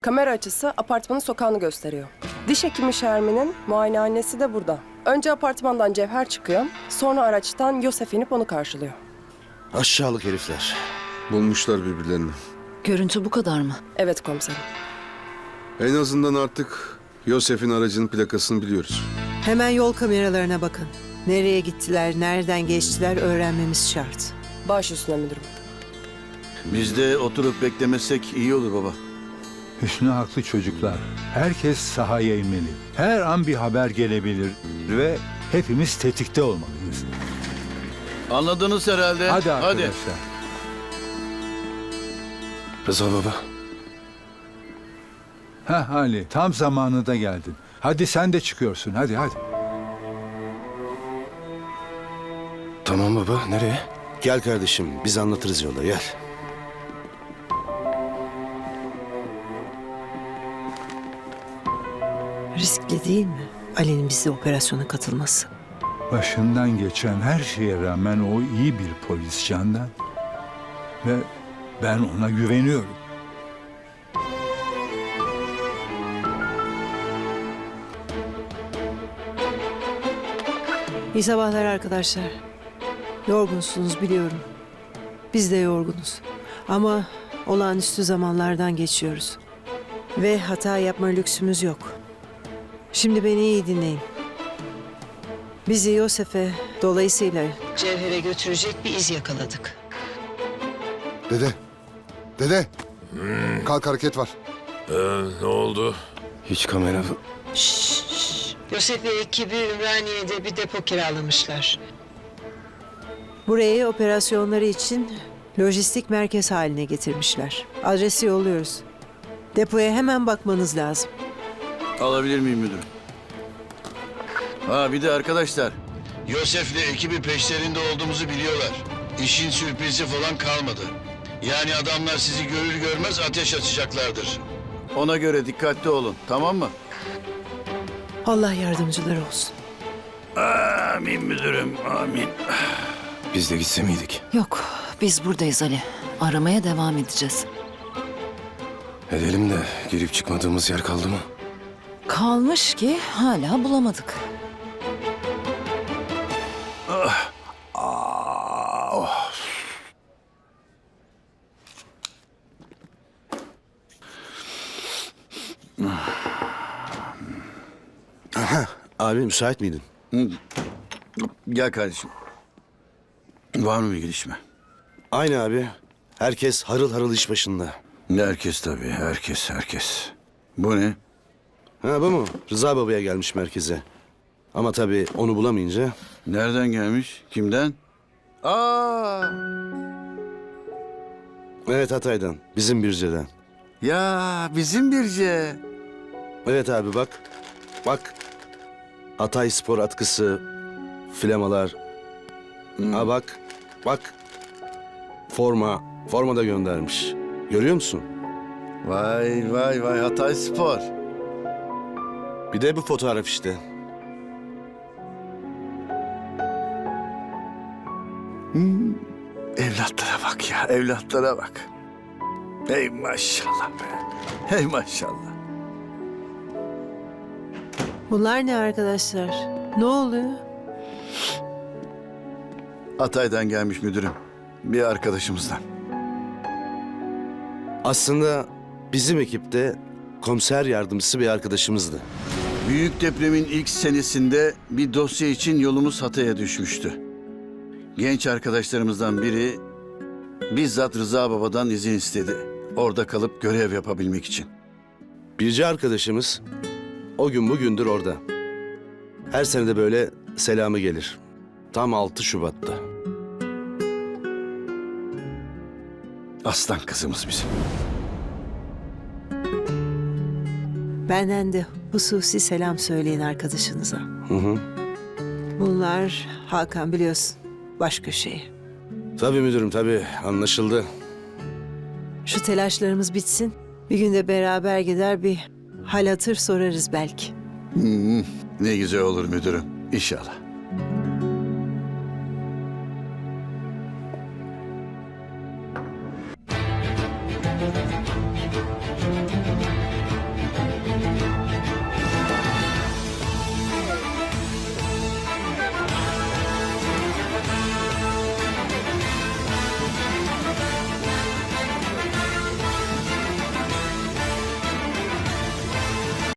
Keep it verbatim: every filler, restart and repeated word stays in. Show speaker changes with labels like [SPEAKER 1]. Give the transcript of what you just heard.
[SPEAKER 1] Kamera açısı apartmanın sokağını gösteriyor. Diş hekimi Şermin'in muayenehanesi de burada. Önce apartmandan Cevher çıkıyor, sonra araçtan Yosef inip onu karşılıyor.
[SPEAKER 2] Aşağılık herifler.
[SPEAKER 3] Bulmuşlar birbirlerini.
[SPEAKER 4] Görüntü bu kadar mı?
[SPEAKER 1] Evet komiserim.
[SPEAKER 3] En azından artık Yosef'in aracının plakasını biliyoruz.
[SPEAKER 5] Hemen yol kameralarına bakın. Nereye gittiler, nereden geçtiler öğrenmemiz şart.
[SPEAKER 1] Baş üstüne müdürüm.
[SPEAKER 6] Biz de oturup beklemesek iyi olur baba.
[SPEAKER 7] Hüsnü haklı çocuklar. Herkes sahaya inmeli. Her an bir haber gelebilir ve hepimiz tetikte olmalıyız.
[SPEAKER 6] Anladınız herhalde.
[SPEAKER 7] Hadi arkadaşlar.
[SPEAKER 2] Rıza baba.
[SPEAKER 7] Heh Ali, tam zamanında geldin. Hadi sen de çıkıyorsun, hadi hadi.
[SPEAKER 2] Tamam baba, nereye? Gel kardeşim, biz anlatırız yolda, gel.
[SPEAKER 5] Riskli değil mi Ali'nin bize operasyona katılması?
[SPEAKER 7] Başından geçen her şeye rağmen o iyi bir polis Candan. Ve ben ona güveniyorum.
[SPEAKER 5] İyi sabahlar arkadaşlar. Yorgunsunuz biliyorum. Biz de yorgunuz. Ama olağanüstü zamanlardan geçiyoruz. Ve hata yapma lüksümüz yok. Şimdi beni iyi dinleyin. Bizi Yosef'e, dolayısıyla Cevher'e götürecek bir iz yakaladık.
[SPEAKER 8] Dede. Dede. Kalk, hareket var.
[SPEAKER 9] Ne oldu?
[SPEAKER 2] Hiç kamera...
[SPEAKER 5] Yosef ve ekibi Ümraniye'de bir depo kiralamışlar. Burayı operasyonları için lojistik merkez haline getirmişler. Adresi yolluyoruz. Depoya hemen bakmanız lazım.
[SPEAKER 6] Alabilir miyim müdürüm? Ha bir de arkadaşlar. Yosef'le ekibi peşlerinde olduğumuzu biliyorlar. İşin sürprizi falan kalmadı. Yani adamlar sizi görür görmez ateş açacaklardır. Ona göre dikkatli olun, tamam mı?
[SPEAKER 5] Allah yardımcıları olsun.
[SPEAKER 6] Amin müdürüm, amin.
[SPEAKER 2] Biz de gitse miydik?
[SPEAKER 4] Yok, biz buradayız Ali. Aramaya devam edeceğiz.
[SPEAKER 2] Edelim de girip çıkmadığımız yer kaldı mı?
[SPEAKER 4] Kalmış ki hala bulamadık.
[SPEAKER 2] Aha, abi müsait miydin?
[SPEAKER 6] Gel kardeşim. Var mı bir gelişme?
[SPEAKER 2] Aynı abi. Herkes harıl harıl iş başında.
[SPEAKER 6] Herkes tabii, herkes, herkes. Bu ne?
[SPEAKER 2] Ha bu mu? Rıza babaya gelmiş merkeze. Ama tabii onu bulamayınca...
[SPEAKER 6] Nereden gelmiş? Kimden? Aa!
[SPEAKER 2] Evet, Hatay'dan. Bizim Birce'den.
[SPEAKER 6] Ya bizim Birce.
[SPEAKER 2] Evet abi bak. Bak. Hatay spor atkısı, flamalar. Ha bak. Bak. Forma. Forma da göndermiş. Görüyor musun?
[SPEAKER 6] Vay vay vay Hatay Spor.
[SPEAKER 2] Bir de bu fotoğraf işte.
[SPEAKER 6] Evlatlara bak ya, evlatlara bak. Hey maşallah be. Hey maşallah.
[SPEAKER 5] Bunlar ne arkadaşlar? Ne oluyor?
[SPEAKER 6] Hatay'dan gelmiş müdürüm. Bir arkadaşımızdan.
[SPEAKER 2] Aslında bizim ekipte komiser yardımcısı bir arkadaşımızdı.
[SPEAKER 6] Büyük depremin ilk senesinde bir dosya için yolumuz Hatay'a düşmüştü. Genç arkadaşlarımızdan biri bizzat Rıza Baba'dan izin istedi. Orada kalıp görev yapabilmek için.
[SPEAKER 2] Birce arkadaşımız o gün bugündür orada. Her sene de böyle selamı gelir. Tam altı Şubat'ta.
[SPEAKER 6] Aslan kızımız bizim.
[SPEAKER 5] Benden de hususi selam söyleyin arkadaşınıza.
[SPEAKER 2] Hı hı.
[SPEAKER 5] Bunlar Hakan biliyorsun başka şey.
[SPEAKER 2] Tabii müdürüm tabii, anlaşıldı.
[SPEAKER 5] Şu telaşlarımız bitsin. Bir günde beraber gider bir hal hatır sorarız belki.
[SPEAKER 6] Hmm, ne güzel olur müdürüm. İnşallah.